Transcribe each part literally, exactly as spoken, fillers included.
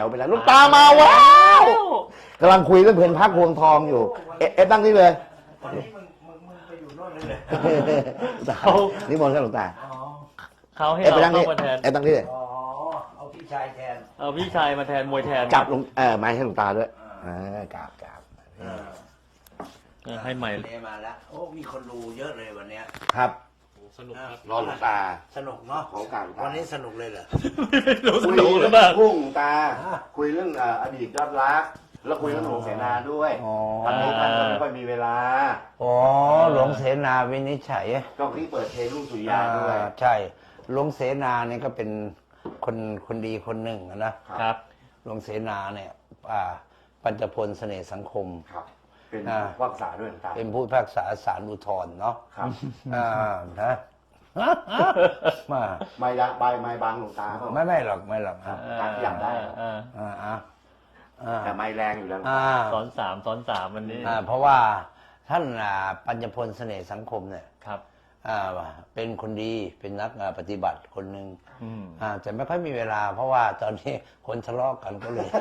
วไปแล้วลูกตามาว้าวกำลังคุยเรื่องเพลินพักพวงทองอยู่เอ๊ะตั้งนี่เลยวันนี้มึงมึงมึงไปอยู่โน่นเลยเขานิมนต์ครับหลวงตาเขาให้เราเข้ามาแทนเอ๊ะตั้งนี่เลยอ๋อเอาพี่ชายแทนเอาพี่ชายมาแทนมวยแทนจับลงเออไม้ให้หลวงตาด้วยอ่ากราบกราบให้ใหม่มาแล้วโอ้มีคนดูเยอะเลยวันเนี้ยครับสนุกครับรอหลวงตาสนุกเนาะของการวันนี้สนุกเลยเหรอสนุกหรือเปล่าพุ่งตาคุยเรื่องอดีตยอดรักแล้วคุยเรื่องหลวงเสนาด้วยตอนนี้ท่านก็ไม่ค่อยมีเวลาอ๋อหลวงเสนาวินิจฉัยก็ที่เปิดเพลงลูกสุริยาด้วยใช่หลวงเสนาเนี่ยก็เป็นคนคนดีคนหนึ่งนะครับหลวงเสนาเนี่ยปัญจพลเสน่ห์สังคมครับเป็นผู้พิพากษาด้วยต่างเป็นผู้พิพากษาศาลอุทธรณ์เนาะครับอ่านะมาไม่ละใบไม่บางหลวงตาไม่ไม่หรอกไม่หรอกการที่อยากได้อ่าอ่าแต่ไม่แรงอยู่แล้วซ้อนสามซ้อนสามวันนี้เพราะว่าท่านปัญจพลเสน่ห์สังคมเนี่ยครับเป็นคนดีเป็นนักปฏิบัติคนหนึ่งแต่ไม่ค่อยมีเวลาเพราะว่าตอนนี้คนทะเลาะกันก็เลย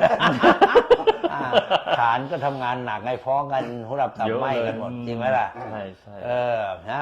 ฐานก็ทำงานหนักไงฟ้องกันหัวรับตับไหม้กันหมดจริงไหมล่ะใช่ใช่เออนะ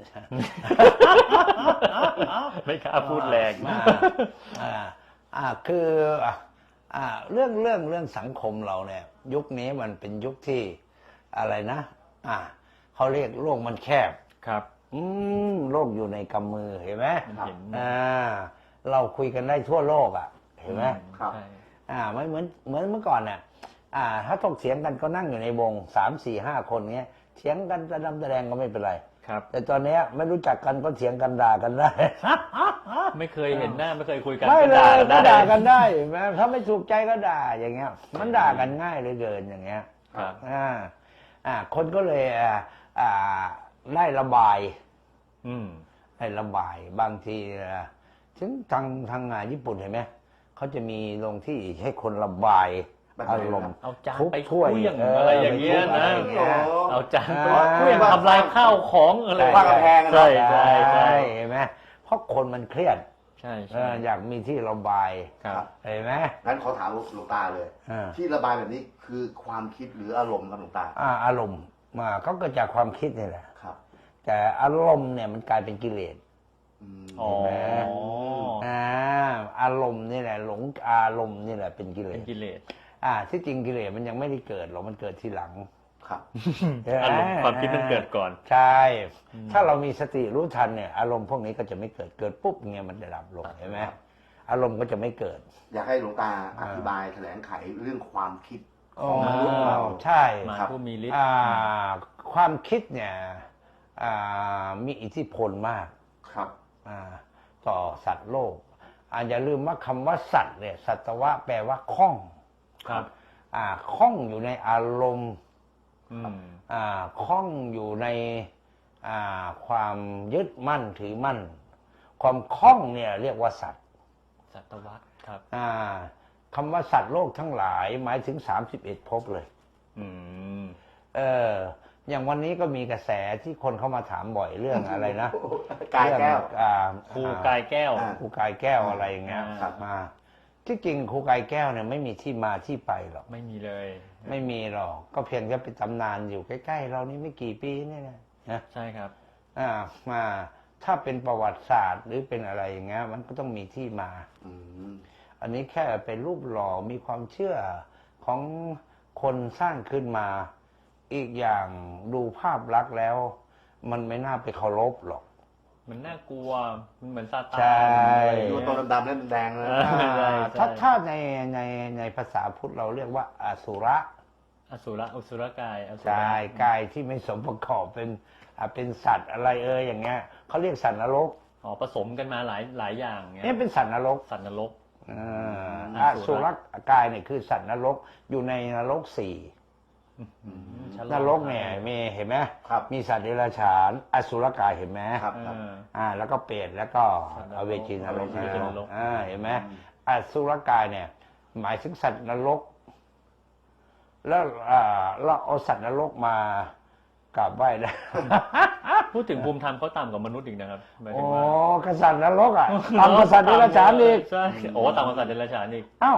ไม่กล้าพูดแรงอ่าคืออ่าเรื่องเรื่องเรื่องสังคมเราเนี่ยยุคนี้มันเป็นยุคที่อะไรนะอ่าเขาเรียกโลกมันแคบครับอืมโลกอยู่ในกำมือเห็นไหมอ่าเราคุยกันได้ทั่วโลกอ่ะเห็นไหมครับอ่าไม่เหมือนเหมือนเมื่อก่อนเนี่ยอ่าถ้าถกเถียงกันก็นั่งอยู่ในวงสามสี่ห้าคนเนี้ยเถียงกันจะดำแดงก็ไม่เป็นไรครับแต่ตอนนี้ไม่รู้จักกันก็เถียงกันด่ากันได้ไม่เคยเห็นหน้าไม่เคยคุยกันไม่เลยก็ด่ากันได้แม้ถ้าไม่ถูกใจก็ด่าอย่างเงี้ยมันด่ากันง่ายเลยเกินอย่างเงี้ยครับอ่าอ่าคนก็เลยอ่าอ่าได้ระบายอืมได้ระบายบางทีถึงทางทางงานญี่ปุ่นเห็นไหมเขาจะมีลงที่ให้คนระบายอารมณ์เอาจานไปช่วยอะไรอย่างเงี้ยนะเอาจานไปช่วยทำลายข้าวของอะไรว่ากระแพงใช่ใช่ใช่เห็นไหมเพราะคนมันเครียดใช่อยากมีที่ระบายเห็นไหมงั้นขอถามหลวงตาเลยที่ระบายแบบนี้คือความคิดหรืออารมณ์ครับหลวงตาอารมณ์มาก็เกิดจากความคิดนี่แหละครับแต่อารมณ์เนี่ยมันกลายเป็นกิเลสอ๋ออ่าอารมณ์นี่แหละหลงอารมณ์นี่แหละเป็นกิเลสเป็นกิเลสอ่าที่จริงกิเลสมันยังไม่ได้เกิดหรอกมันเกิดทีหลังครับอารมณ์ความคิดมันเกิดก่อนใช่ถ้าเรามีสติรู้ทันเนี่ยอารมณ์พวกนี้ก็จะไม่เกิดเกิดปุ๊บเงี้ยมันจะดับลงเห็นไหมอารมณ์ก็จะไม่เกิดอยากให้หลวงตาอธิบายแถลงไขเรื่องความคิดของมนุษย์เราใช่ครับผู้มีฤทธิ์ความคิดเนี่ยมีอิทธิพลมากครับต่อสัตว์โลกอย่าลืมว่าคำว่าสัตว์เนี่ยสัตวะแปลว่าคล้องครับคล้องอยู่ในอารมณ์คล้องอยู่ในความยึดมั่นถือมั่นความคล้องเนี่ยเรียกว่าสัตว์สัตวะครับคำว่าสัตว์โลกทั้งหลายหมายถึงสามสิบเอ็ดภพเลยอืมเอออย่างวันนี้ก็มีกระแสที่คนเข้ามาถามบ่อยเรื่องอะไรนะกายแก้วครูกายแก้วครูกายแก้วอะไรอย่างเงี้ยมาที่จริงครูกายแก้วเนี่ยไม่มีที่มาที่ไปหรอกไม่มีเลยไม่มีหรอกก็เพียงแค่เป็นตำนานอยู่ใกล้ๆเรานี่ไม่กี่ปีนี่นะนะใช่ครับอ่ามาถ้าเป็นประวัติศาสตร์หรือเป็นอะไรอย่างเงี้ยมันก็ต้องมีที่มาอันนี้แค่เป็นรูปหล่อมีความเชื่อของคนสร้างขึ้นมาอีกอย่างดูภาพลักษณ์แล้วมันไม่น่าไปเคารพหรอกมันน่ากลัวมันเหมือนซาตานดูตัวดำๆแล้วแดงเลยถ้าถ้าในในในภาษาพุทธเราเรียกว่าอสุระอสุระอสุรกายใช่กายที่ไม่สมประกอบเป็นเป็นสัตว์อะไรเอ่ยอย่างเงี้ยเขาเรียกสัตว์นรกอ๋อผสมกันมาหลายหลายอย่างเงี้ยนี่เป็นสัตว์นรกสัตว์นรกอสุรกายเนี่ยคือสัตว์นรกอยู่ในนรกสี่นรกเนี่ยมีเห็นไหมมีสัตว์เดรัจฉานอสุรกายเห็นไหมอ่าแล้วก็เปรตแล้วก็อเวจีนรกอ่าเห็นไหมอสุรกายเนี่ยหมายถึงสัตว์นรกแล้วอ่าเราเอาสัตว์นรกมากราบไหว้ได้พูดถึงภูมิธรรมเขาต่ำกว่ามนุษย์อีกนะครับโอ้กษัตริย์นรกอ่ะต่ำกว่าสัตว์เดรัจฉานอีกใช่โอ้ต่ำกว่าสัตว์เดรัจฉานอีกอ้าว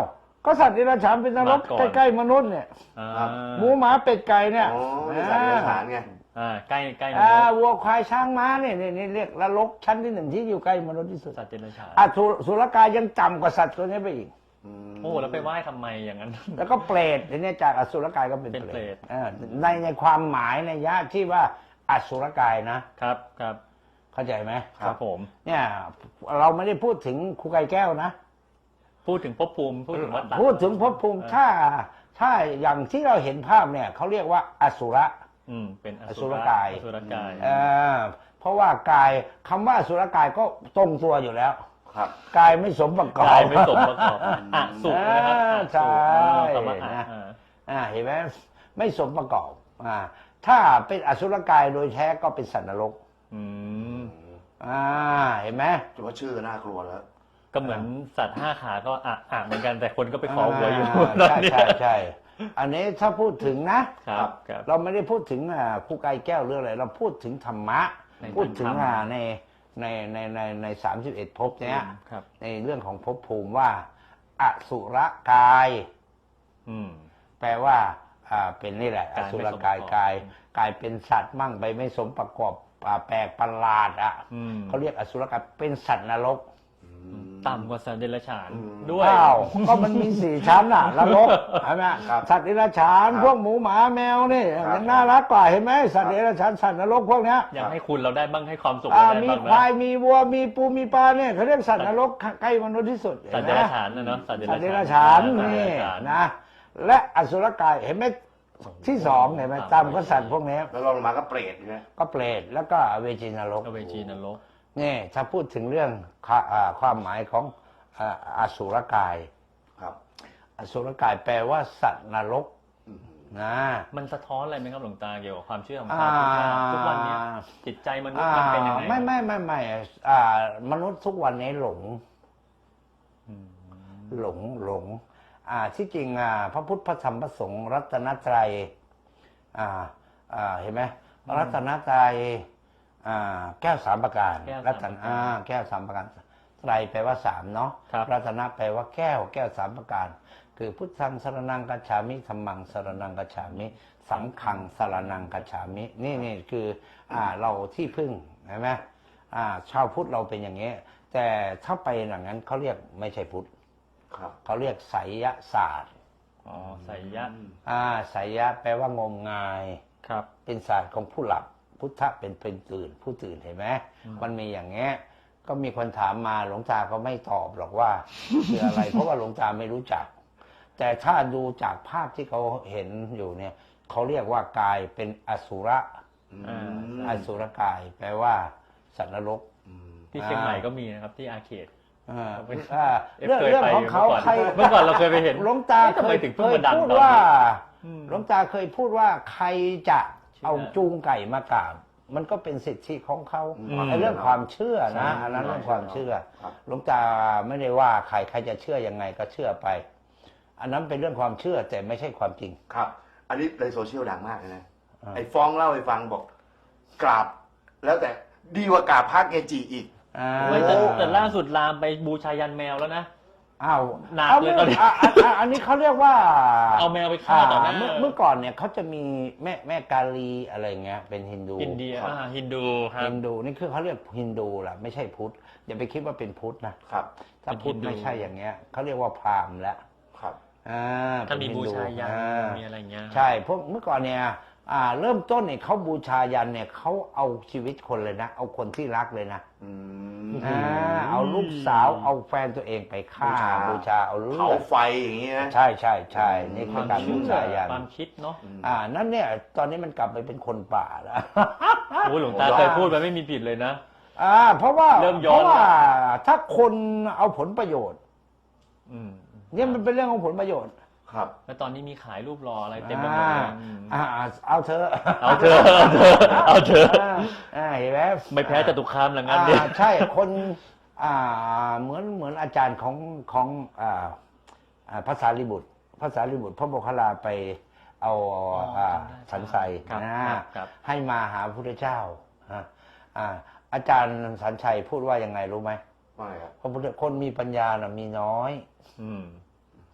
ก็สัตว์เดรัจฉานเป็นนรกมาก่อนใกล้ๆมนุษย์เนี่ยอ่าหมูหมาเป็ดไก่เนี่ยโอ้ยสัตว์เดรัจฉานไงอ่าใกล้ใกล้มอ่านุษย์วัวควายช้างม้าเนี่ยนี่นี่เรียกนรกชั้นที่หนึ่งที่อยู่ใกล้มนุษย์ที่สุดสัตว์เดรัจฉานอ่ะสุสุรกายยังต่ำกว่าสัตว์ตัวนี้ไปอีกโอ้แล้วไปไหว้ทำไมอย่างนั้นแล้วก็เปรตทีนี้จากอสุรกายก็เป็นเป็นเปเปรรตตเออในในความหมายในยะที่ว่าอสุรกายนะครับครับเข้าใจไหมครับผมเนี่ยเราไม่ได้พูดถึงครูไก่แก้วนะพูดถึงภพภูมิพูดถึงวัฏฏะพูดถึงภพภูมิเออถ้าถ้าอย่างที่เราเห็นภาพเนี่ยเขาเรียกว่าอสุระอืมเป็นออสุสุรรกายอสุรกายเออเพราะว่ากายคำว่าอสุรกายก็ตรงตัวอยู่แล้วครับกายไม่สมประกอบกายไม่สมประกอบอะสุนะครับอ่าอะใช่สุคำว่าอะนะอ่าอ่าเห็นไหมไม่สมประกอบอ่าถ้าเป็นอสุรกายโดยแท้ก็เป็นสัตว์นรกอืมอ่าเห็นไหมถือว่าชื่อน่ากลัวแล้วก็เหมือนสัตว์ห้าขาก็อะอะเหมือนกันแต่คนก็ไปขอหวยอยู่าตอนใช่นี้ใช่ใช่อันนี้ถ้าพูดถึงนะครับครับเราไม่ได้พูดถึงอ่าครูไก่แก้วเรื่องอะไรเราพูดถึงธรรมะในพูดถึงธรรมอ่าในในในในในสามสิบเอ็ดภพเนี้ยครับในเรื่องของภพภูมิว่าอสุรกายอืมแปลว่าอ่าเป็นนี่แหละอกายไม่สุรกายสมประกอบกายกายเป็นสัตว์มั่งไปไม่สมประกอบอ่าแปลกประหลาดอ่ะอืมเขาเรียกอสุรกายเป็นสัตว์นรกต่ำกว่าสัตว์เดรัจฉานอืมด้วยอ้าวก็มันมีสี่ชั้นอ่ะนรกใช่ไหมครับสัตว์เดรัจฉานครับพวกหมูหมาแมวนี่ครับมันน่ารักกว่าเห็นไหมสัตว์เดรัจฉานสัตว์นรกพวกเนี้ยอยากให้คุณเราได้บ้างให้ความสุขอ่าเราได้มีบ้างควานะยมีวัวมีปูมีปลาเนี่ยเขาเรียกสัตว์นรกใกล้มนุษย์ที่สุดสัตว์เห็เดนไหมรัจฉานนะเนาะสัตว์เดสัรัตจว์เดฉานรัจฉานสัตว์นี่เดรัจฉานนะและอสุรกายเห็นไหมที่สองเห็นไหมตามก็สัตว์พวกนี้แล้วลงมาก็เปรตนะก็เปรตแล้วก็อเวจีนรกก็เวจีนรกนี่ถ้าพูดถึงเรื่องค่าอ่าความหมายของอ่าอสุรกายครับอสุรกายแปลว่าสัตว์นรกอืมนะมันสะท้อนอะไรไหมครับหลวงตาเกี่ยวกับความเชื่อของอ่าชาวพุทธว่าทุกวันเนี้ยจิตใจมนุษย์มันเป็นยังไงไม่ไม่ไม่ไม่อ่ามนุษย์ทุกวันนี้หลงอืมหลงหลงอ่าที่จริงอ่าพระพุทธพระธรรมพระสงฆ์รัตนตรัยอ่าอ่าเห็นไหมรัตนตรัยอ่าแก้วสามประการแก้วรัสามตประนการอ่าแก้วสามประการไตรแปลว่าสามเนาะครับรัตนะแปลว่าแก้วแก้วสามประการ คือพุทธังสรนังกัจฉามิธัมมังสรนังกัจฉามิสังฆังสรนังกัจฉามินี่นี่คืออ่าเราที่พึ่งเห็นไหมอ่าชาวพุทธเราเป็นอย่างนี้ แต่ถ้าไปอย่างนั้นเขาเรียกไม่ใช่พุทธครับเขาเรียกไสยศาสตร์อ๋อไสยะอ่าไสยะแปลว่างมงายครับเป็นศาสตร์ของผู้หลับ พุทธะเป็นเป็นตื่น ผู้ตื่นเห็นไหมมันมีอย่างเงี้ยก็มีคนถามมาหลวงตาก็ไม่ตอบหรอกว่า คืออะไร เพราะว่าหลวงตาไม่รู้จัก แต่ถ้าดูจากภาพที่เขาเห็นอยู่เนี่ยเขาเรียกว่ากายเป็นอสุระอ่าอสุรกาย แปลว่าสัตว์นรกที่เชียงใหม่ก็มีนะครับที่อาร์เคดอ่าเป็นอ่าเอฟเรื่องเคยเรื่องไปของเขาเมื่อก่อนใครเมื่อก่อนเราเคยไปเห็นหลวงตาเอ๊ะทำเคไมยถึงเคเพิ่งยมาดังพูดตอนนี้ว่าอืมหลวงตาเคยพูดว่าใครจะเชื่อเอาจูงไก่มากราบมันก็เป็นสิทธิของเขาอืมไอ้เรื่องความเชื่อนะใช่อันนั้นเรื่องความเชื่อครับหลวงตาไม่ได้ว่าใครใครจะเชื่อยังไงก็เชื่อไป อันนั้นเป็นเรื่องความเชื่อแต่ไม่ใช่ความจริงครับ อันนี้ในโซเชียลดังมากเลยนะอ่าไอ้ฟ้องเล่าให้ฟังบอก กราบ แล้วแต่ดีกว่ากราบพระเกจิอีกอ่าเฮ้ยแต่แต่ล่าสุดลามไปบูชายันแมวแล้วนะอ้าวหนักอาเลยตอนนี้อ่ะอ่ะอ่ะอันนี้เขาเรียกว่าเอาแมวไปฆ่าต่อหน้าเมื่อเมื่อก่อนเนี่ยเขาจะมีแม่แม่กาลีอะไรเงี้ยเป็นฮินดูอินเดียอ่าฮินดูครับฮินดูนี่คือเขาเรียกฮินดูแหละไม่ใช่พุทธอย่าไปคิดว่าเป็นพุทธนะครับ ถ้าเป็นพุทธฮินดูไม่ใช่อย่างเงี้ยเขาเรียกว่าพราหมณ์แล้วครับอ่าถ้ามีเป็นบูฮินชายันอ่ามีอะไรเงี้ยใช่พวกเมื่อก่อนเนี่ยอ่าเริ่มต้นเนี่ยเขาบูชายันเนี่ยเขาเอาชีวิตคนเลยนะ เอาคนที่รักเลยนะอืมอ่าเอาลูกสาวเอาแฟนตัวเองไปฆ่าบูชาบูชาเอาเลืเผาอดไฟอย่างนี้นะใช่ใช่ใช่นี่คคือวามการบูเชื่อชายันความคิดเนาะอ่านั่นเนี่ยตอนนี้มันกลับไปเป็นคนป่าแล้วโอ้ยหลวงตาเคยพูดไปไม่มีผิดเลยนะอ่าเพราะว่าเริ่มย้เพอนราะว่าถ้าคนเอาผลประโยชน์อืมเนี่ยมันเป็นเรื่องของผลประโยชน์ครับแล้วตอนนี้มีขายรูปรออะไรเต็มไปหมดอ่าเลยอืมอ่าเอาเธอะเอาเถอะเอาเถอะเอาเถอะอ่าอ่าเห็นไหมไม่แพ้จตุคามหลังงานเนี่ยอ่าใช่คนอ่าเหมือนเหมือนอาจารย์ของของอ่าอ่าภาษาลิบุตรภาษาลิบุตรพระโมคคัลลาไปเอาอ่าสันไซครับนะครับครับให้มาหาพระพุทธเจ้าอ่าอ่าอาจารย์สันชัยพูดว่ายังไงรู้ไหมว่าไงครับพระพุทธคนมีปัญญาน่ะมีน้อยอืม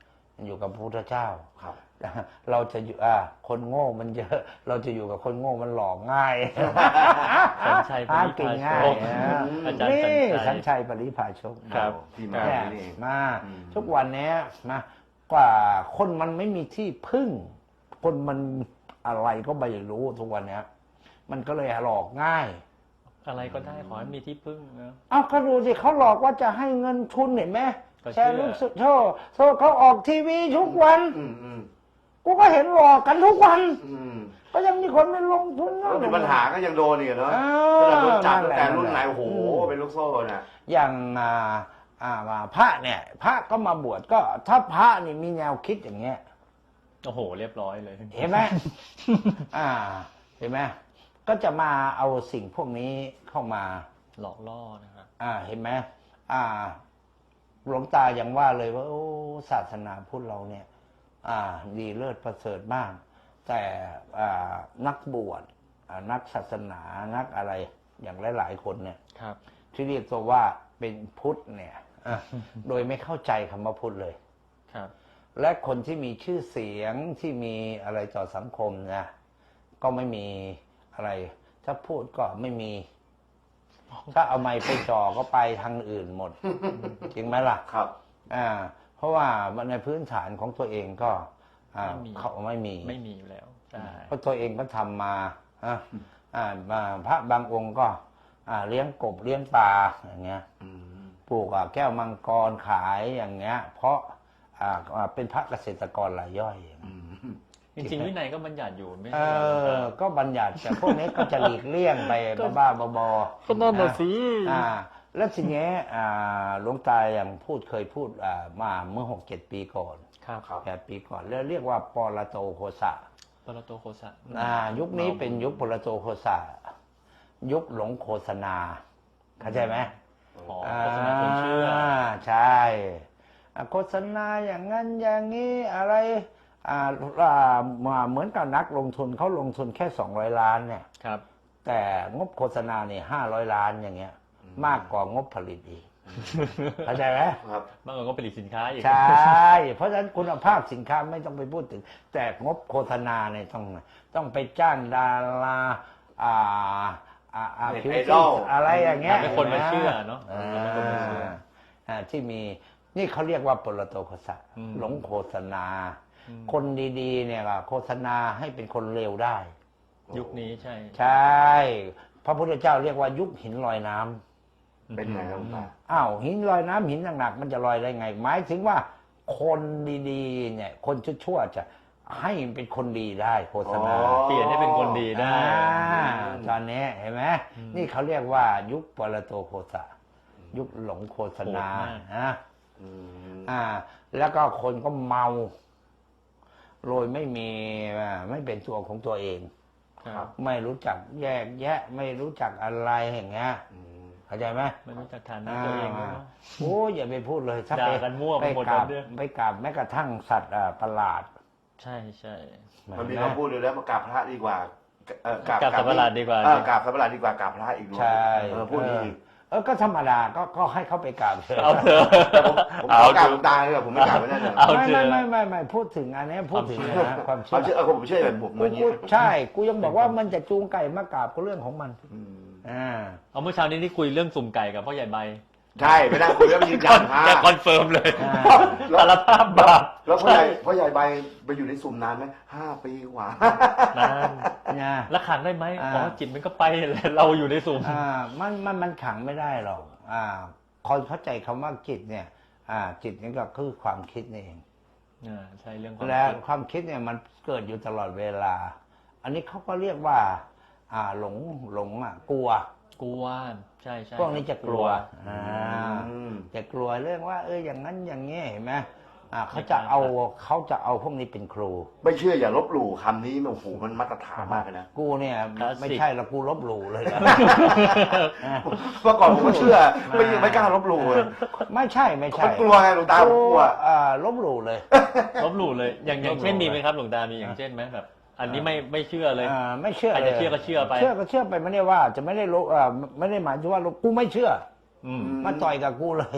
อยู่กับพระพุทธเจ้าครับเราจะอยู่อ่าคนโง่มันเยอะ เราจะอยู่กับคนโง่มันหลอกง่ายสัญชัยปหาริกินพาง่าโชยคนะอาจารย์นี่สัสัญญชัยชัยปริพาชกครับที่มาเนี่ยนี่เองมาอืมทุกวันเนี้ยมากว่าคนมันไม่มีที่พึ่ง คนมันอะไรก็ไม่รู้ทุกวันเนี้ย มันก็เลยหลอกง่ายอะไรก็ได้ขอให้มีที่พึ่งนะเอาก็ดูสิเขาหลอกว่าจะให้เงินทุนเห็นไหมก็เชื่อแชร์ลูกสุดโชว์โชว์เขาออกทีวีทุกวันอืมอืมกูก็เห็นหลอกกันทุกวันอืมก็ยังมีคนไปลงทุนแล้วมีปัญหาก็ยังโดนอีกเนาะเอขนาดโดนจับนั่นตั้งแหละแต่รุ่นไหนนั่นแหละโอ้โหอืมเป็นลูกโซ่น่ะอย่างอ่าอ่าว่าพระเนี่ย พระก็มาบวชก็ถ้าพระนี่มีแนวคิดอย่างเงี้ยโอ้โหเรียบร้อยเลยเห็นไหม อ่า เห็นไหมก็จะมาเอาสิ่งพวกนี้เข้ามาหลอกล่อนะครับอ่า เห็นไหมอ่า หลวงตายังว่าเลยว่า โอ้ศาสนาพุทธเราเนี่ย อ่า ดีเลิศประเสริฐมาก แต่อ่านักบวชอ่านักศาสนานักอะไรอย่างหลายๆคนเนี่ยครับที่เรียกตัวว่าเป็นพุทธเนี่ยอ่ะ โดยไม่เข้าใจคำว่าพุทธเลยครับและคนที่มีชื่อเสียงที่มีอะไรต่อสังคมนะก็ไม่มีอะไร ถ้าพูดก็ไม่มี ถ้าเอาไม้ไปจ่อก็ไปทางอื่นหมด จริงไหมล่ะครับอ่า เพราะว่าในพื้นฐานของตัวเองก็อ่าไม่มีเขาไม่มีไม่มีอยู่แล้วใช่เพราะตัวเองก็ทำมาอ่ะอ่ามาพระบางองค์ก็ อ่าเลี้ยงกบเลี้ยงปลาอย่างเงี้ยอืมปลูกอ่ะแก้วมังกรขายอย่างเงี้ย เพราะอ่าอ่าเป็นพระเกษตรกรรายย่อยอืมจริงๆวินัยก็บัญญัติอยู่ไม่เอใช่เหรออ ก็บัญญัติแต่พวกนี้ก็จะหลีกเลี่ยงไปบ้าๆบอๆก็นั่นน่ะสิอ่า แล้วทีนี้อ่าหลวงตาอย่างพูดเคยพูดอ่ามาเมื่อหกเจ็ดปีก่อนครับครับแปดปีก่อน แล้วเรียกว่าปรโตโคสะปรโตโคสะอ่า ยุคนี้เป็นยุคปรโตโคสะยุคหลงโฆษณาเข้าใจไหมอ๋อโฆษณาคนเชื่อใช่อ่าโฆษณาอย่างนั้นอย่างนี้อะไรอ่าอ่ามาเหมือนกับนักลงทุนเขาลงทุนแค่สองร้อยล้านเนี่ยครับแต่งบโฆษณาเนี่ยห้าร้อยล้านอย่างเงี้ย มากกว่างบผลิตอีกเข้าใจไหมครับบางคนก็ผลิตสินค้าอีกใช่ เพราะฉะนั้นคุณภาพสินค้าไม่ต้องไปพูดถึง แต่งบโฆษณาเนี่ยต้องต้องไปจ้างดาราอ่าอ่าอ่าเน็ตผิวไอสีดอลอะไรอย่างเงี้ยทำให้คนมาเชื่อเนาะอ่าทำให้คนมาเชื่ออ่าที่มีนี่เขาเรียกว่าปรโตโฆษะอืมหลงโฆษณาอืมคนดีๆเนี่ยก็โฆษณาให้เป็นคนเลวได้ยุคนี้ใช่ใช่ พระพุทธเจ้าเรียกว่ายุคหินลอยน้ำเป็นไงครับหลวงตาอ้าวหินลอยน้ำหินหนักๆมันจะลอยได้ไง หมายถึงว่าคนดีๆเนี่ยคนชั่วๆจะให้เป็นคนดีได้โฆษณาอ๋อเปลี่ยนให้เป็นคนดีได้อ่าตอนนี้เห็นไหมนี่เขาเรียกว่ายุคปรโตโฆษะยุคหลงโฆษณาโหดมากนะอืมอ่า แล้วก็คนก็เมาโดยไม่มีอ่าไม่เป็นตัวของตัวเองครับไม่รู้จักแยกแยะ ไม่รู้จักอะไรอย่างเงี้ยอืมเข้าใจไหมไม่รู้จักฐานะตัวเองด้วยเนอะโอ้ยอย่าไปพูดเลยถ้าด่าไปกันมั่วไปหมดกราบแล้วเนี่ยไปกราบแม้กระทั่งสัตว์อ่าประหลาดใช่ใช่มันมีคำพูดอยู่แล้วมากราบพระดีกว่าเออกราบกราบสัตว์ประหลาดดีกว่าเออกราบสัตว์ประหลาดดีกว่ากราบพระอีกด้วยใช่เออพูดดีเออเออก็ธรรมดาก็ก็ให้เขาไปกราบเถอะเอาเถอะผมขอกราบหลวงตาเลยผมไม่กราบไม่ได้เลยเอาไม่เถไม่อะไม่ไม่ไม่พูดถึงอันนี้พูดถึงนะความเชื่เอาอเชื่อเอาผมเชื่อแบบผมกูอย่างนี้กูใช่ กูยังบอกว่ามันจะจูงไก่มากราบก็เรื่องของมันอืมอ่าเอาเมื่อเช้านี้ที่คุยเรื่องสุ่มไก่กับพ่อใหญ่ใบใช่ไปนั่งคุยแล้วไปยืนยันพระแกคอนเฟิร์มเลยอ่าสารภาพบาปแล้วพ่อใหญ่พ่อใหญ่ใบไปอยู่ในสุ่มนานไหมห้าปีกว่านานนะแล้วขังได้ไหมอ่าอ๋อจิตมันก็ไปเลยเราอยู่ในสุ่มอ่ามันมันมันขังไม่ได้หรอกอ่าคนเข้าใจคำว่าจิตเนี่ย อ่า จิตนี่ก็คือความคิดนี่เองอ่าใช่เรื่องความและคิดความคิดเนี่ยมันเกิดอยู่ตลอดเวลา อันนี้เขาก็เรียกว่า อ่าหลงหลงอ่ะกลัวกลัวใช่ใช่พวกนี้จะกลัวอ่าอืมจะกลัวเรื่องว่า เอออย่างนั้นอย่างนี้เห็นไหมอ่าเขาจะเอาเขาจะเอาพวกนี้เป็นครูไม่เชื่ออย่าลบหลู่คำนี้โอ้โหมันมาตรฐานมากเลยนะกูเนี่ยไม่ใช่ละกูลบหลู่เลยนะเมื่อก่อนผมก็เชื่อไม่ไม่กล้าลบหลู่เลยไม่ใช่ไม่ใช่มันกลัวไงหลวงตาผมกลัวอ่าลบหลู่เลยลบหลู่เลย อย่างอย่างเช่นลบหลู่มีไหมครับหลวงตา มีอย่างเช่นไหมแบบ อันนี้ไม่ไม่เชื่อเลยอ่าไม่เชื่อใครเลจะยเชื่อก็เชื่อไปเชื่อก็เชื่อไปไม่ได้ว่าจะไม่ได้ลบอ่าไม่ได้หมายถึงว่าลบกูไม่เชื่ออืมมาต่อยกับกูเลย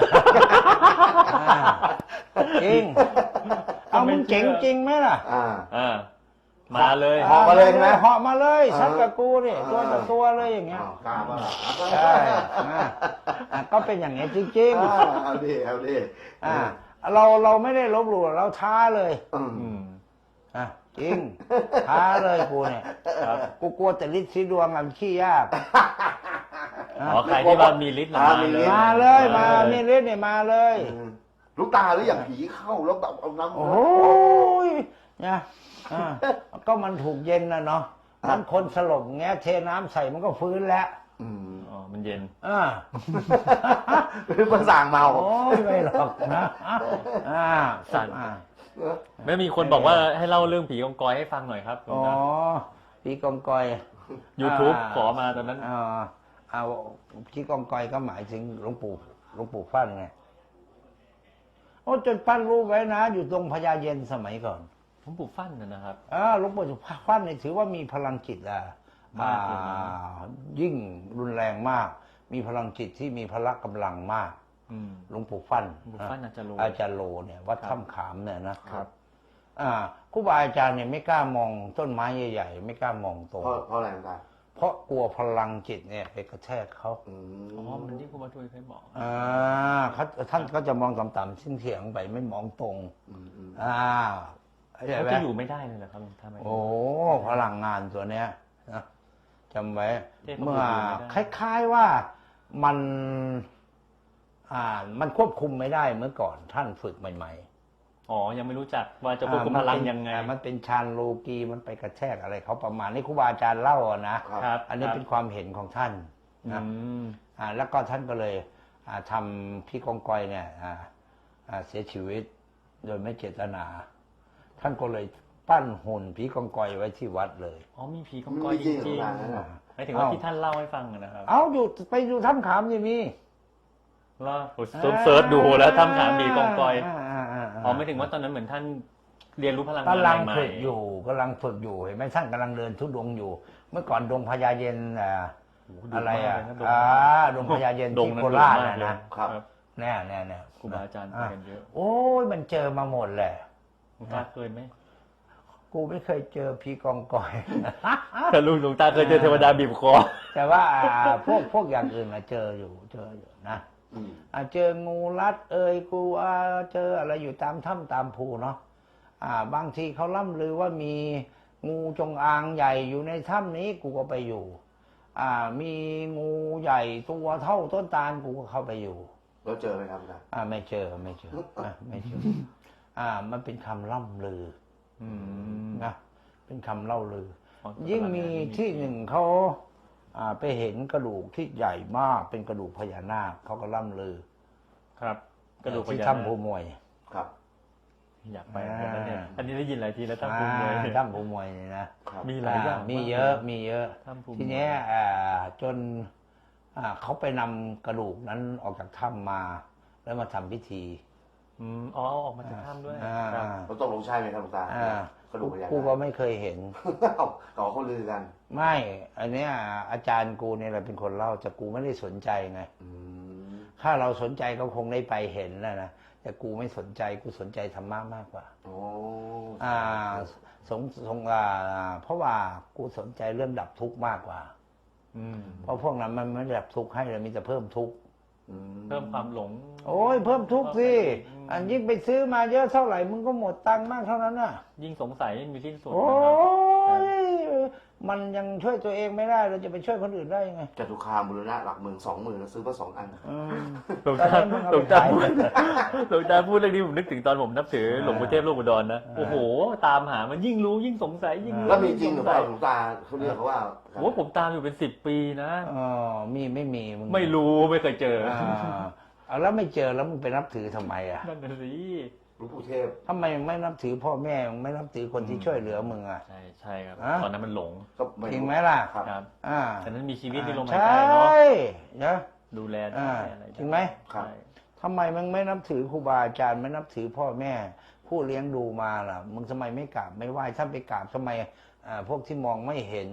จริงเอามึงเจ๋งจริงไหมล่ะอ่าอ่ามาเลยเหาะมาเลยใช่ไหมเหาะมาเลยซัดกับกูนี่ตัวต่อตัวเลยอย่างเงี้ยอ้าวกล้าป่ะใช่อ่ะอ่ะก็เป็นอย่างเงี้ยจริงอ่าเอาดิเอาดิๆอ่ะเราเราไม่ได้ลบหลู่เราท้าเลยอืมอืมอ่ะจริงท้าเลยกูเนี่ยครับกูกลัวแต่ฤทธิ์สีดวงอ่ะมันขี้ยากอ๋อใครที่ว่ามีฤทธิ์น่ะมาเลยมาเลยมามีฤทธิ์เนี่ยมาเลยอืมลูกตาหรืออย่างผีเข้าแล้วแบบเอาน้ำโอ้ยนะอ่าก็มันถูกเย็นนะเนาะมันคนสลบแงะเทน้ำใส่มันก็ฟื้นแล้วอืมอ๋อมันเย็นอ่าหรือมันสั่งเมาโอ้ยไม่หรอกนะอ่าสั่นอ่าไม่มีคนบอกว่าให้เล่าเรื่องผีกองกอยให้ฟังหน่อยครับหลวอ๋งอตาพี่กองกอย YouTube าขอมาตอนนั้นอ่าเอาพี่กองกอยก็หมายถึงหลวงปู่หลวงปู่ฟั่นไงโอ้จนปั้นรูปไว้นะ อยู่ตรงพญาเย็นสมัยก่อนหลวงปู่ฟั่นนะนะครับอ่าหลวงปู่ฟั่นเนี่ยถือว่ามีพลังจิตอ่ะมากเลยนะอ่ายิ่งรุนแรงมาก มีพลังจิตที่มีพละกำลังมากอืมหลวงปู่ฟั่นหลวงปู่ฟั่นอาจารย์โลอาจารย์โลเนี่ยวัดครับถ้ำขามเนี่ยนะครับ อ่าครูบาอาจารย์เนี่ยไม่กล้ามองต้นไม้ใหญ่ๆไม่กล้ามองตรงเพราะเพราะอะไรต่างเพราะกลัวพลังจิตเนี่ยไปกระแทกเขาอืมอ๋อมันที่ครูบาทุยเคยบอกอ่าเขาท่านก็จะมองต่ำๆเฉียงๆไปไม่มองตรงอืมอืมอ่าเข้าใจเขาไหมจะอยู่ไม่ได้เลยเหรอครับถ้าไม่โอ้พลังงานตัวเนี้ยนะจำไว้เทพบุตรเมื่ออยู่ไม่ได้คล้ายๆว่ามัน อ่า มันควบคุมไม่ได้เมื่อก่อนท่านฝึกใหม่ๆอ๋อยังไม่รู้จักว่าจะควบคุมพลังยังไงอ่ามันเป็นฌานโลกีมันไปกระแทกอะไรเขาประมาณนี้ครูบาอาจารย์เล่าอะนะครับครับอันนี้เป็นความเห็นของท่านอืนะมอ่าแล้วก็ท่านก็เลยอ่าทำพี่กองกอยเนี่ยอ่าอ่าเสียชีวิตโดยไม่เจตนา ท่านก็เลยปั้นหุ่นพี่กองกอยไว้ที่วัดเลยอ๋อมีผีกองกอยจริงๆหมายถึงว่าที่ท่านเล่าให้ฟังอะนะครับเอาอยู่ไปดูถ้ำขามยังมีว่าเซิร์ชดูแล้วทำถามผีกองกอยาาาาอ๋อไม่ถึงว่าตอนนั้นเหมือนท่านเรียนรู้พลังงานกำลังใหม่ฝึกอยู่กำลังฝึกอยู่เห็นไหมท่านกำลังเดินทุดงค์อยู่ เมื่อก่อนดงพญาเย็นอ่าโโหดุอะไรอ่ะมากเลยนอ่าดงพญาเย็นดงที่นั้นโคราชดุมน่ะเลยนะครับ แน่แน่แน่ครูบาอาจารย์ไปกันเยอะโอ้ยมันเจอมาหมดแหละหลวงตาเคยไหมกูไม่เคยเจอผีกองกอยแต่ลุงหลวงตาเคยเจอเทวดาบีบคอแต่ว่าอ่าพวกพวกอย่างอื่นอะเจออยู่เจออยู่นะอืมอ่าเจองูรัด เอ่ยกูอ่าเจออะไรอยู่ตามถ้ำตามภูเนาะอ่า บางทีเขาล่ำลือว่ามีงูจงอางใหญ่อยู่ในถ้ำนี้กูก็ไปอยู่ อ่า มีงูใหญ่ตัวเท่าต้นตาลกูก็เข้าไปอยู่แล้วเจอไหมครับอาจารย์อ่าไม่เจอไม่เจออ่าไม่เจออ่า มันเป็นคำล่ำลืออืมนะเป็นคำเล่าลืออ๋อยิ่งมีที่หนึ่งเขาอ่าไปเห็นกระดูกที่ใหญ่มากเป็นกระดูกพญานาคเขาก็ล่ำลือครับ กระดูกพที่ญานาถ้ำภูคมวยครับอยากไปเหมือนกันนะเนี่ยอ่าอันนี้ได้ยินหลายทีแล้วถ้ำภูมิเลยอ่าถ้ำภูมวยนี่นะครับมีหลายอย่างมีเยอะมีเยอะถ้ำภูมิทีเนี้ยอ่าจนอ่าเขาไปนำกระดูกนั้นออกจากถ้ำมา แล้วมาทำพิธีอืมอ๋อเอาออกมาจากถ้ำด้วยอ่าครับแล้วตกลงใช่ไหมครับหลวงตาอ่ากระดูกพญานาคกูก็ไม่เคยเห็นเอ้าต่อเขาลือกันไม่ อันเนี้ยอาจารย์กูเนี่ยแหละเป็นคนเล่าแต่กูไม่ได้สนใจไงอืมถ้าเราสนใจก็คงได้ไปเห็นนะนะแต่กูไม่สนใจกูสนใจธรรมะมากกว่าโอ้อ่าสงสงอ่าเพราะว่ากูสนใจเรื่องดับทุกข์มากกว่าอืมเพราะพวกนั้นมันไม่ได้ดับทุกข์ให้เลยมีแต่เพิ่มทุกข์อืเพิ่มความหลงโอ้ยเพิ่มทุกข์สิอืมอันยิ่งไปซื้อมาเยอะเท่าไหร่มึงก็หมดตังค์มากเท่านั้นน่ะยิ่งสงสัยไม่มีสิ้นสุดโอ้นะครับยมันยังช่วยตัวเองไม่ได้เราจะไปช่วยคนอื่นได้ยังไงจตุคามบุรณะหลักหมื่นสองหมื่นแล้วซื้อมาสองอันอืมหลวงตาตอนนั้นมึงเอาหลวงไปตาขายพูดหลวงตาพูดเรื่องนี้ผมนึกถึงตอนผมนับถือหลวงปู่เทพโลกอุดรนะอ่าโอ้โห ตามหามันยิ่งรู้ยิ่งสงสัยยิ่งรู้แล้วมีจริงหรือเปล่ายิ่หลวงตาเขาเรียกเขาว่าโอ้ผมตามอยู่เป็นสิบปีนะอ๋อมีไม่มีมึงไม่รู้ไม่เคยเจออ่าเอาแล้วไม่เจอแล้วมึงไปนับถือทำไมอ่ะนั่นน่ะสิหลวงปู่เทพทำไมมึงไม่นับถือพ่อแม่มึงไม่นับถือคนที่ช่วยเหลือมึงอ่ะใช่ใช่ครับอ่ะตอนนั้นมันหลงก็ไม่จริงไหมล่ะครับครับอ่าแต่นั้นมีชีวิตที่ลมหายใช่ใจเนาะนะดูแลได้อ่าอะไรด้จริงไหมครับใช่ทำไมมึงไม่นับถือครูบาอาจารย์ไม่นับถือพ่อแม่ ผู้เลี้ยงดูมาล่ะ มึงทำไมไม่กราบไม่ไหว้ถ้าไปกราบทำไมอ่าพวกที่มองไม่เห็น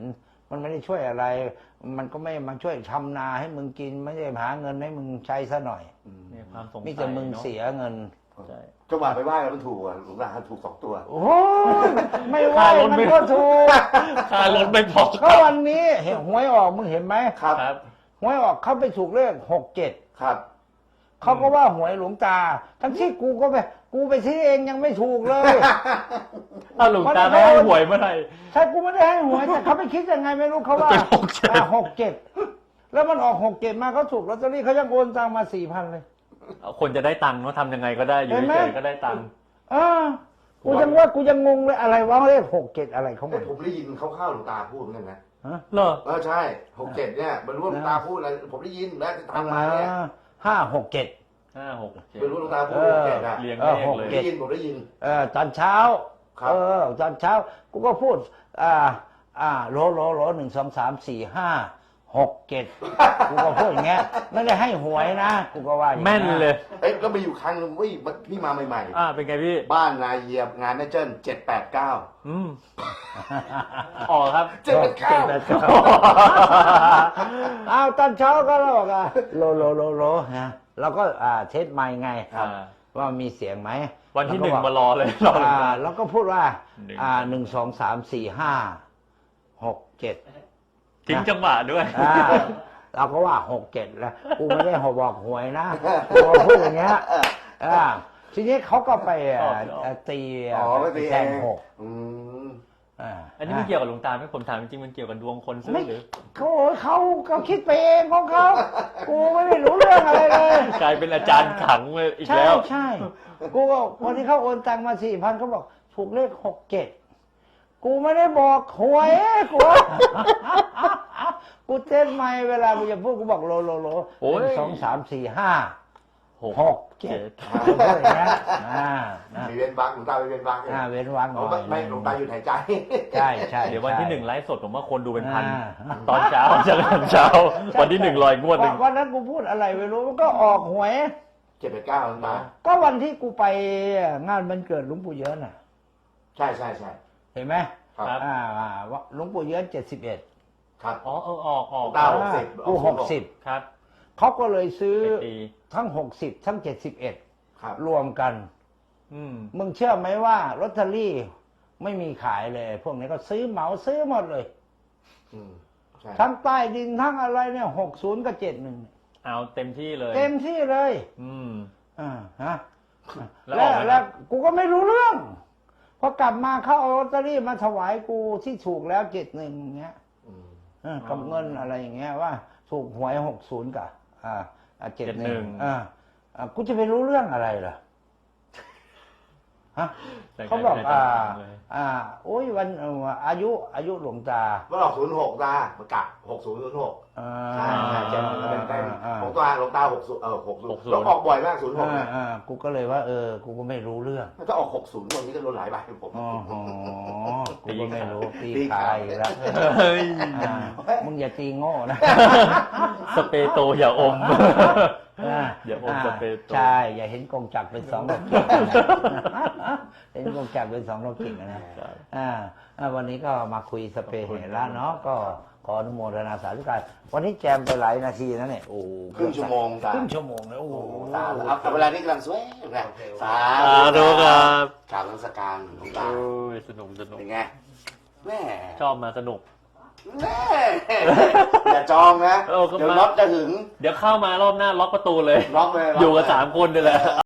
มันไม่ได้ช่วยอะไร มันก็ไม่มาช่วยทำนาให้มึงกินไม่ได้หาเงินให้มึงใช้ซะหน่อยเนี่ยความสงสัยมีแต่มึงเนอะเสียเงินใช่จังหวะไปไหว้แล้วมันถูกอ่ะหลวงตาถูกสองตัวโอ้โหไม่ว่ามันก็ถูกค่ารถไม่พอก็วันนี้เห็นหวยออกมึงเห็นไหมครับครับหวยออกเขาไปถูกเลขหกเจ็ดครับเขาก็ว่าหวยหลวงตา ทั้งที่กูก็ไปกูไปซื้อเองยังไม่ถูกเลยเอาหลวงตาไม่ให้หวยเมื่อไหร่ใช่กูไม่ได้ให้หวยแต่เขาไปคิดยังไงไม่รู้เขาว่าเป็นหกเจ็ดอ่าหกเจ็ดแล้วมันออกหกเจ็ดมาเขาถูกลอตเตอรี่เขายังโอนตังมาสี่พันเลยคนจะได้ตังค์เนาะทำยังไงก็ได้อยู่เห็นไหมเฉยๆก็ได้ตังค์เออกูยังว่ากูยังงงเลยอะไรวะเลขหกเจ็ดอะไรของมัเอ้ยนผมได้ยินเขาเข้าๆหลวงตาพูดเหมือนกันนะฮะเหรอเออใช่หกเจ็ดเนี่ยไม่รู้ว่าหลวงตาพูดอะไรผมได้ยินแล้วทำมาเนี่ยห้าหกเจ็ดห้าหกเจ็ดไม่รู้หลวงตาพูดหกเจ็ดอ่ะเรียงเอเลอขหกเลยผมเจ็ได้ยินผมได้ยินเออตอนเช้าครับเออตอนเช้ากูก็พูด อ่า อ่าโหลโหลโหลหนึ่งสองสามสี่ห้าหกเจ็ดกูก็พูดอย่างเงี้ยไม่ได้ให้หวยนะกูก็ว่าอย่างแม่นเลยเอ้ยก็มีอยู่ครั้งหนึงเว้ยพี่มาใหม่อ่าเป็นไงพี่ๆ บ้านนายเหยียบงานแม่เจิ้นเจ็ดแปดเก้าอืมออกครับเจ็ดแปดเก้าเจ็ดแปดเก้า อ้าวตอนเช้าก็เราบอกอ่ะโลโลโลโลนะเราก็อ่าเทสไมค์ไงอ่าว่ามีเสียงไหมวันที่หนึ่งแล้ก็บมารอเลยรอหลวงอ่าตาแล้วก็พูดว่าหนึ่งอ่าหนึ่งสองสามสี่ห้าหกเจ็ดทิ้งจังหวะด้วยอ่าเราก็ว่าหกเจ็ดแล้วกูไม่ได้หบอกหวยนะกูก็พูดอย่างเงี้ยอ่าทีนี้เขาก็ไปอ่าชอบชอบอ่าตีอ๋อไม่ตีเอแทงงหกอืมอ่าอันนี้ไม่เกี่ยวกับหลวงตาไหมผมถามจริงๆมันเกี่ยวกับดวงคนซื้อไม่หรือเขาเขาเขาคิดไปเองของเขากูไม่ได้รู้เรื่องอะไรเลยกลายเป็นอาจารย์ขังเลยอีกใช่แล้วใช่กูก็วันที่เขาโอนตังมาสี่พันเขาบอกถูกเลขหกเจ็ดกูไม่ได้บอกหวยกู กูเต้นไม่เวลากูจะพูดกูบอกโลโลโลโอ้ยหนึ่งสองสามสี่ห้าหกหกเจ็ดกูพูดอย่างเงี้ยอ่านะมีเว้นวักหลวงตาไม่เว้นวักเลยอ่าเว้นวรรคหน่อ๋ออยไม่ไม่หลวงตาอยู่หายใจใช่ใช่เดี๋ยววันที่หนึ่งไลฟ์สดผมว่าคนดูเป็นพันอ่าตอนเช้าเจอกันเช้า วันที่หนึ่งลอยงวดหนึ่งวันนั้นกูพูดอะไรไม่รู้มันก็ออกหวยเจ็ดแปดเก้าหลวงตาก็วันที่กูไปงานวันเกิดหลวงปู่เยินน่ะใช่ใช่ใช่เห็นไหมครับครับอ่าอ่าว่าหลวงปู่เยินเจ็ดสิบเอ็ดครับอ๋อเออออกออกเก้า หกสิบกูหกสิบครับเขาก็เลยซื้อไปตีทั้งหกสิบทั้งเจ็ดสิบเอ็ดครับรวมกันอืมมึงเชื่อไหมว่าลอตเตอรี่ไม่มีขายเลย พวกนี้ก็ซื้อเหมาซื้อหมดเลยอืมใช่ทั้งใต้ดินทั้งอะไรเนี่ยหกศูนย์กับเจ็ดหนึ่งเอาเต็มที่เลยเต็มที่เลยอืมอ่าฮะแล้วแล้อวอกไหมแล้วกูก็ไม่รู้เรื่อง พอกลับมาเขาเอาลอตเตอรี่มาถวายกูที่ถูกแล้วเจ็ดหนึ่งอย่างเงี้ยอืมเออกับเงินอะไรอย่างเงี้ยว่า ถูกหวยหกศูนย์กับอ่าเจ็ดหนึ่งอ่าอ่ากูจะไปรู้เรื่องอะไรล่ะฮะแต่เขาบอกกลอ่ายเป็นอาจารย์เลยอ่าโอ้ยวันเอ่ออายุอายุหลวงตามันออกศูนย์หกตาประกาศหกศูนย์ศูนย์หกอ่าใช่ใช่เจ็ดหนึ่งเต็มเต็มอ่าของตัวหลวงตาหกศูนย์เออหกศูนหกย์ศูนย์แล้วออกบ่อยมากศูนย์หกอ่าเนี่ยอ่ากูก็เลยว่า เออ กูก็ไม่รู้เรื่องถ้าออกหกศูนย์วันนี้ก็โดนหลายใบผมอ๋อกูก็ไม่รู้ตีตีขาขายอีกแล้วเฮ้ยอ่ามึงอย่าตีโง่นะสเปรย์โตอย่าอมอ่าอย่าอมสเปรย์โตใช่ อย่าเห็นกงจักรเป็นสองดอกกิ่งนะเห็นกงจักรเป็นสองดอกกิ่งนะอ่าอ่าวันนี้ก็มาคุยสเปรย์เห็นแล้วเนาะก็ขออนุโมทนาสาธุการวันนี้แจมไปหลายนาทีนะเนี่ยโอ้ครึ่งชั่วโมงตาครึ่งชั่วโมงเลยโอ้โหโอ้ตาเอาเอาเวลานี้กำลังสวยนะสาสาธุครับกราบนมัสการหลวงตาโอ้ยสนุกสนุกเป็นไงแม่ชอบมาสนุกแม่อย่าจองนะเออก็เดี๋ยวมาน็อตจะหึงเดี๋ยวเข้ามารอบหน้าล็อกประตูเลยล็อกเลยล็กอยู่กับสามคนนี่แหละ